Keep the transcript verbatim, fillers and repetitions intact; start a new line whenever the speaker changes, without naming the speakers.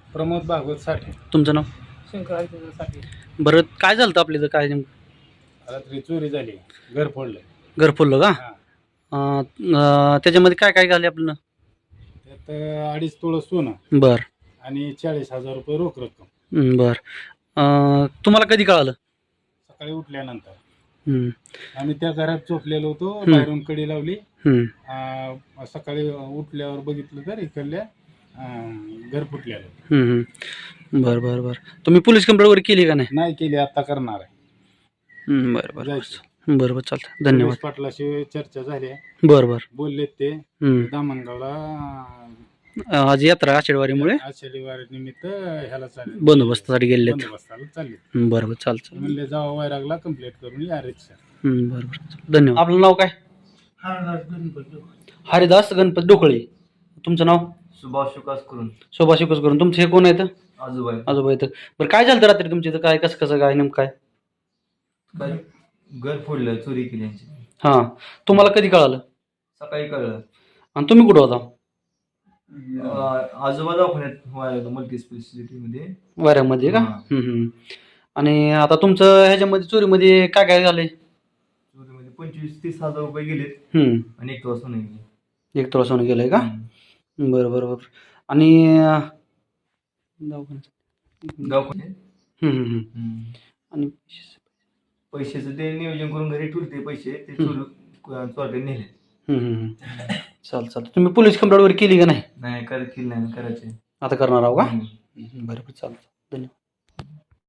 प्रमोद भागवत साठे.
तुमचं नाव?
शंकर साठे.
बरं, काय झालं होतं आपल्या इथं? काय नेमकं
रात्री चोरी झाली, घर फोडलं.
घर फोडलं का?
हा.
अं, अं, त्याच्यामध्ये काय काय झाले आपलं?
त्यात अडीच तोळं सोनं
बर
आणि चाळीस हजार रुपये रोख रक्कम.
हं, बर. अं, तुम्हाला कधी कळालं?
सकाळी उठल्यानंतर
हं,
आम्ही त्या घरात झोपलेलो होतो, बाहेरून कडी लावली.
हं.
आ, सकाळी उठल्यावर बघितलं तर इकडल्या अं, घर फुटलेलं.
हं, हं. बरं बरं बरं. तुम्ही पोलीस कंप्लेंट वगैरे केली का नाही?
नाही केली, आता करणार आहे.
हं, बरं बरं
जायचं.
बरं बरं चालतं. धन्यवाद.
पोलीस पाटलाशी चर्चा झाली आहे.
बरं बरं.
बोललेत ते
हं.
दामणगावला
अं, आज यात्रा आषाढवारीमुळे
आषाढी वारी निमित्त ह्याला चालले,
बंदोबस्तासाठी गेलेत.
बंदोबस्ताला चालले.
हं, बरं बरं चालतं.
म्हणले जावा वैरागला कंप्लीट करून या रिक्षा.
हं, बरं बरं. धन्यवाद. आपलं नाव काय?
हरदास गणपती.
हरिदास गणपत डोकळे. तुमचं नाव?
सुभाष विकास करून
शोभा शिकस करून. तुमचं हे कोण आहेत?
आजोबा आहे.
आजोबा येतं. बरं, काय झालं होतं रात्री तुमच्या इथं? काय कसं कसं काय नेमकं काय?
काय घर फोडलं, चोरी केली यांची.
हां, तुम्हाला कधी कळालं?
सकाळी कळलं.
आणि तुम्ही कुठं होता?
अं, आजोबा दवाखान्यात मल्टी स्पेशालिटी मध्ये
वाऱ्यामध्ये का?
हां.
हं, हं. आणि आता तुमचं ह्याच्यामध्ये चोरीमध्ये काय काय झालंय?
चोरीमध्ये पंचवीस तीस हजार रुपये गेलेत
हं,
आणि एक वाजता नाही गेले.
एक तोळा सोनं गेलंय का?
हम्म.
बरं बरं बरं. आणि अं, दवाखान्यात.
दवाखान्यात
हं, हं, हं.
हम्म.
आणि
पैशाचं ते नियोजन करून घरी ठेवले पैसे, ते चोर चोरटे नेले.
हं, हं, हं. चाल चालतं. तुम्ही पोलीस कंप्लेंट वगैरे केली का नाही?
नाही करत केली नाही, करायचे.
आता करणार आहो का?
हम्म.
हं, बरं बरं चालतं. धन्यवाद.